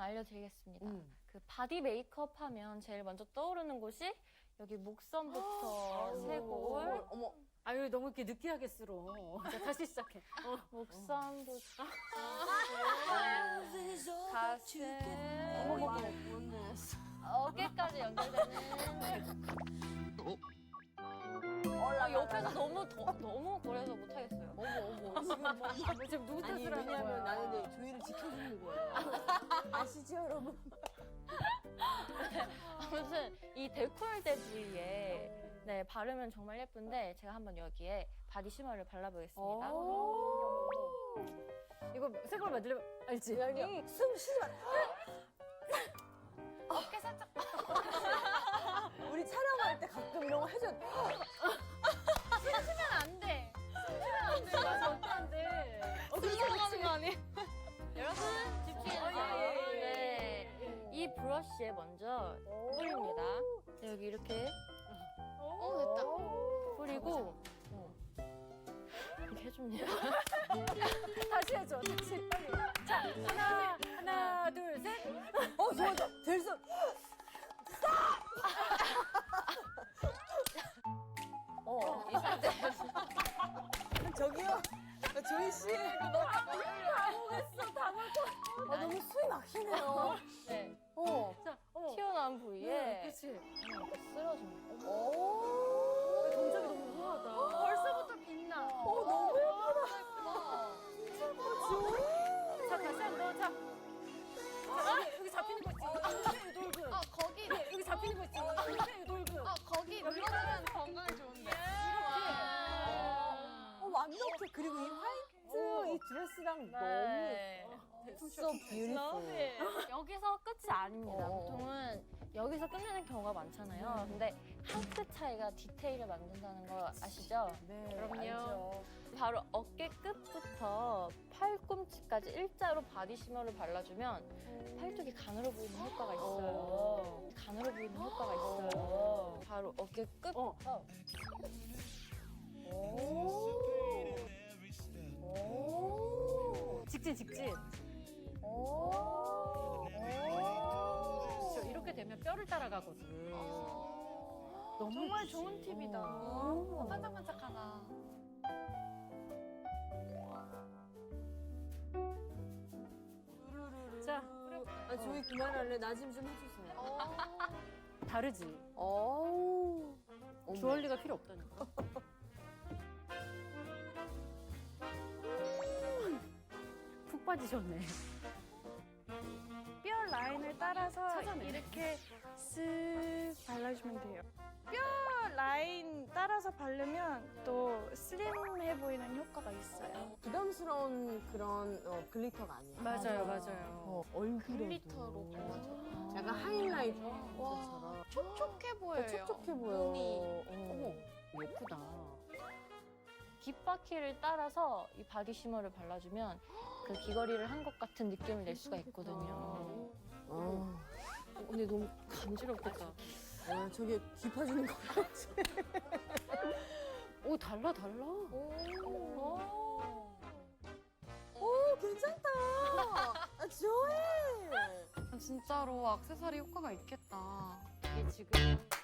알려드리겠습니다. 그 바디 메이크업 하면 제일 먼저 떠오르는 곳이 여기 목선부터 쇄골. 어머. 아유, 너무 이렇게 느끼하게 쓸어. 자, 다시 시작해. 목선부터 가슴, 어깨까지 연결되는. 옆에서 너무 거려서 못하겠어요. 어머. 지금 누구 아니, 탓을 하는 거야? 왜냐면 나는 조이를 지켜주는 거예요. 아시죠, 여러분? 아무튼 이 데콜테 부위에 네, 바르면 정말 예쁜데 제가 한번 여기에 바디 쉬머를 발라보겠습니다. 이거 쇄골 만들려면 알지? 숨 쉬지 마. 어깨 살짝. 우리 촬영할 때 가끔 이런 거 해줘. 숨쉬면 안 돼. 절대 안 돼. 들어가는 거 아니에요? 여러분 집중해주세요. 네, 이 브러쉬에 먼저 뿌립니다. 네, 여기 이렇게 됐다. 뿌리고 이렇게 해줍니다. 다시 해줘. 다시 빨리. 자, 하나, 둘, 셋. 좋아. 됐어. 이 상태에서 저기요. 조이 씨. 너무 숨이 막히네요. 네, 자, 어머. 튀어나온 부위에 그렇지. 이렇게 쓸어줍니다. 오. 동작이 너무 우아하다. 벌써부터 빛나. 너무 예쁘다. 자, 다시 한 번. 자, 여기 잡히는 거 있지? 이 돌근. 거기, 여기 잡히는 거 있지? 이 돌근. 거기 눌러주면 건강에 좋은데. 완벽해. 그리고 이 화이트 이 드레스랑 네. 너무 so beautiful. 여기서 끝이 아닙니다. 어. 보통은 여기서 끝내는 경우가 많잖아요. 근데 한 끗 차이가 디테일을 만든다는 거 아시죠? 네, 그럼요. 알죠. 바로 어깨 끝부터 팔꿈치까지 일자로 바디 쉬머를 발라주면 팔뚝이 가늘어 보이는 효과가 있어요. 가늘어 보이는 효과가 있어요. 바로 어깨 끝부터 직진. 그렇죠. 이렇게 되면 뼈를 따라가거든. 정말 좋은 팁이다. 반짝반짝하다. 자, 조이 그만할래. 나 좀 해주세요. 다르지? 어우. 주얼리가 필요 없다니까. 푹 빠지셨네. 뼈 라인을 따라서 찾아내. 이렇게 쓱 발라주면 돼요. 뼈 라인 따라서 바르면 또 슬림해 보이는 효과가 있어요. 부담스러운 그런 글리터가 아니에요. 맞아요. 얼굴에도. 글리터로 발라줘. 약간 하이라이터처럼. 촉촉해 보여요. 촉촉해 보여. 어머, 예쁘다. 귓바퀴를 따라서 이 바디 쉬머를 발라주면 그 귀걸이를 한 것 같은 느낌을 낼 수가 있거든요. 근데 너무 간지럽겠다. 저게 귀 파주는 거 같지? 오, 달라. 오, 괜찮다. 조이. 진짜로 액세서리 효과가 있겠다. 이게 지금